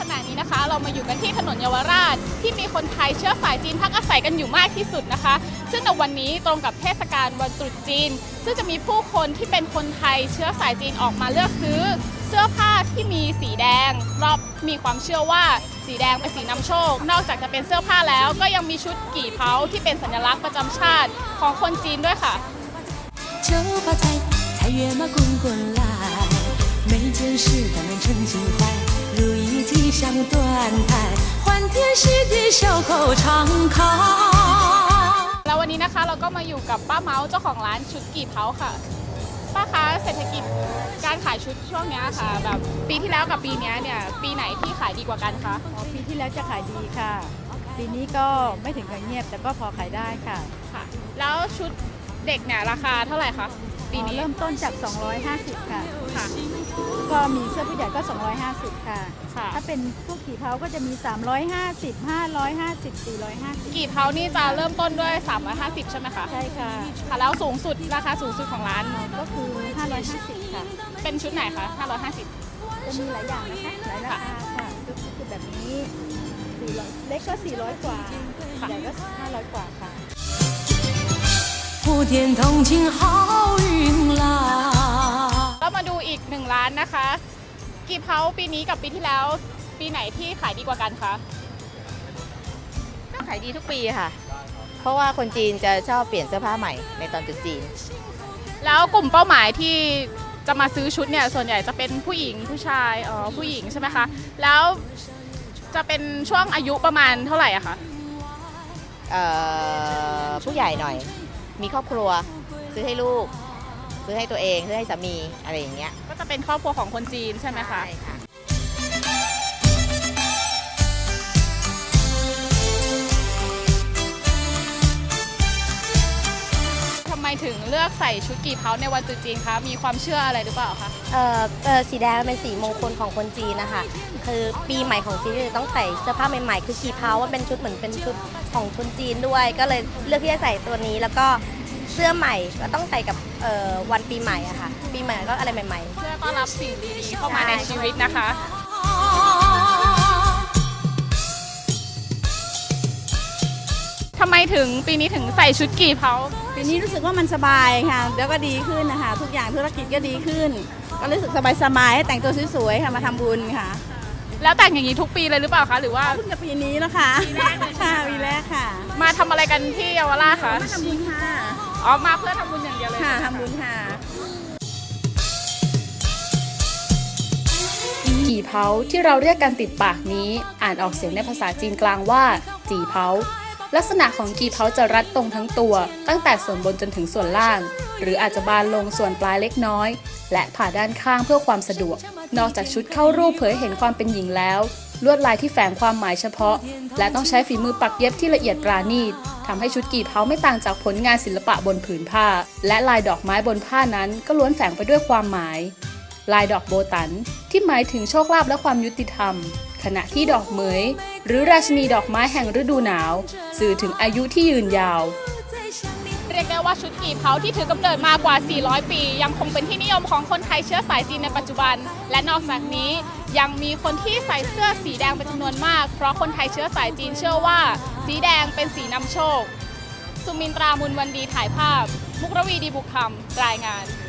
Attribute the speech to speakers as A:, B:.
A: ณะนี้นะคะเรามาอยู่กันที่ถนนเยาวราชที่มีคนไทยเชื้อสายจีนพักอาศัยกันอยู่มากที่สุดนะคะซึ่งในวันนี้ตรงกับเทศกาลวันตรุษจีนซึ่งจะมีผู้คนที่เป็นคนไทยเชื้อสายจีนออกมาเลือกซื้อเสื้อผ้าที่มีสีแดงเพราะมีความเชื่อว่าสีแดงเป็นสีนำโชคนอกจากจะเป็นเสื้อผ้าแล้วก็ยังมีชุดกี่เผาที่เป็นสัญลักษณ์ประจำชาติของคนจีนด้วยค่ะ
B: 就发财，财源嘛滚滚来，每件事都能称心怀，如意吉祥端台，欢天喜地笑口常开。
A: แล้ววันนี้นะคะเราก็มาอยู่กับป้าเมาส์เจ้าของร้านชุดกี่เผาค่ะป้าคะเศรษฐกิจการขายชุดช่วงนี้ค่ะแบบปีที่แล้วกับปีนี้เนี่ยปีไหนที่ขายดีกว่ากันคะ
C: ปีที่แล้วจะขายดีค่ะปีนี้ก็ไม่ถึงกับเงียบแต่ก็พอขายได้ค่ะ
A: ค่ะแล้วชุดเด็กเนี่ยราคาเท่าไหร่คะปีนี้
C: เริ่มต้นจาก250ค่ะ
A: ค่ะ
C: ก็มีเสื้อผู้ใหญ่ก็250ค่ะ
A: ค่ะ
C: ถ้าเป็นพวกกี่เผาก็จะมี350 550 450
A: กี่เผานี่จะเริ่มต้นด้วย350ใช่ไหมคะ
C: ใช่ค่ะ
A: ค่ะแล้วสูงสุดราคาสูงสุดของร้าน
C: ก็คือ550ค่ะ
A: เป็นชุดไหนคะ550
C: จะมีหลายอย่างนะคะหลายราคาค่ะคือแบบนี้400เล็กก็400กว่าใหญ่ก็500กว่าค่ะ
B: 普天同庆好运来
A: เรามาดูอีก1ร้านนะคะกี่เผาปีนี้กับปีที่แล้วปีไหนที่ขายดีกว่ากันคะ
D: ก็ขายดีทุกปีค่ะเพราะว่าคนจีนจะชอบเปลี่ยนเสื้อผ้าใหม่ในตอนตรุษจีน
A: แล้วกลุ่มเป้าหมายที่จะมาซื้อชุดเนี่ยส่วนใหญ่จะเป็นผู้หญิงผู้ชายผู้หญิงใช่ไหมคะแล้วจะเป็นช่วงอายุประมาณเท่าไหร่อะคะ
D: ผู้ใหญ่หน่อยมีครอบครัวซื้อให้ลูกซื้อให้ตัวเองซื้อให้สามีอะไรอย่างเงี้ย
A: ก็จะเป็นครอบครัวของคนจีนใช่ไหมคะ
D: ใช่ค่ะ
A: ทำไมถึงเลือกใส่ชุดกี่เผาในวันตรุษจีนคะมีความเชื่ออะไรหรือเปล่าคะ
E: สีแดงเป็นสีมงคลของคนจีนนะคะคือปีใหม่ของจีนต้องใส่เสื้อผ้าใหม่ๆคือกี่เผาว่าเป็นชุดเหมือนเป็นชุดของคนจีนด้วยก็เลยเลือกที่จะใส่ตัวนี้แล้วก็เสื้อใหม่ก็ต้องใส่กับวันปีใหม่อะค่ะปีใหม่ก็อะไรใหม่ๆ
A: เพื่อต้อนรับสิ่งดีๆเข้ามาในชีวิตนะคะทำไมถึงปีนี้ถึงใส่ชุดกี่เผา
C: ปีนี้รู้สึกว่ามันสบายค่ะแล้วก็ดีขึ้นนะคะทุกอย่างธุรกิจก็ดีขึ้นก็รู้สึกสบายๆแต่งตัวสวยๆค่ะมาทำบุญค่ะ
A: แล้วแต่งอย่างนี้ทุกปีเลยหรือเปล่าคะหรือว่า
C: เพิ่งจะปีนี้แล้วค่ะปีแรกค่ะปีแรกค่ะ
A: มาทำอะไรกันที่เยาวราชคะ
C: มาทำบุญค่ะ
A: มาเพื่อทำบุญอย่างเดียวเลย
C: ค่ะทำบุญค่ะ
F: กี่เผาที่เราเรียกกันติดปากนี้อ่านออกเสียงในภาษาจีนกลางว่าจีเผาลักษณะของกี่เผาจะรัดตรงทั้งตัวตั้งแต่ส่วนบนจนถึงส่วนล่างหรืออาจจะบานลงส่วนปลายเล็กน้อยและผ่าด้านข้างเพื่อความสะดวกนอกจากชุดเข้ารูปเผยเห็นความเป็นหญิงแล้วลวดลายที่แฝงความหมายเฉพาะและต้องใช้ฝีมือปักเย็บที่ละเอียดปราณีตทำให้ชุดกี่เผาไม่ต่างจากผลงานศิลปะบนผืนผ้าและลายดอกไม้บนผ้านั้นก็ล้วนแฝงไปด้วยความหมายลายดอกโบตันที่หมายถึงโชคลาภและความยุติธรรมขณะที่ดอกเหมยหรือราชินีดอกไม้แห่งฤดูหนาวสื่อถึงอายุที่ยืนยาว
A: เรียกได้ว่าชุดกี่เผาที่ถือกำเนิดมากว่า400ปียังคงเป็นที่นิยมของคนไทยเชื้อสายจีนในปัจจุบันและนอกจากนี้ยังมีคนที่ใส่เสื้อสีแดงเป็นจำนวนมากเพราะคนไทยเชื้อสายจีนเชื่อว่าสีแดงเป็นสีนำโชคสุมินตรามุนวันดีถ่ายภาพมุกรวีดีบุกคำรายงาน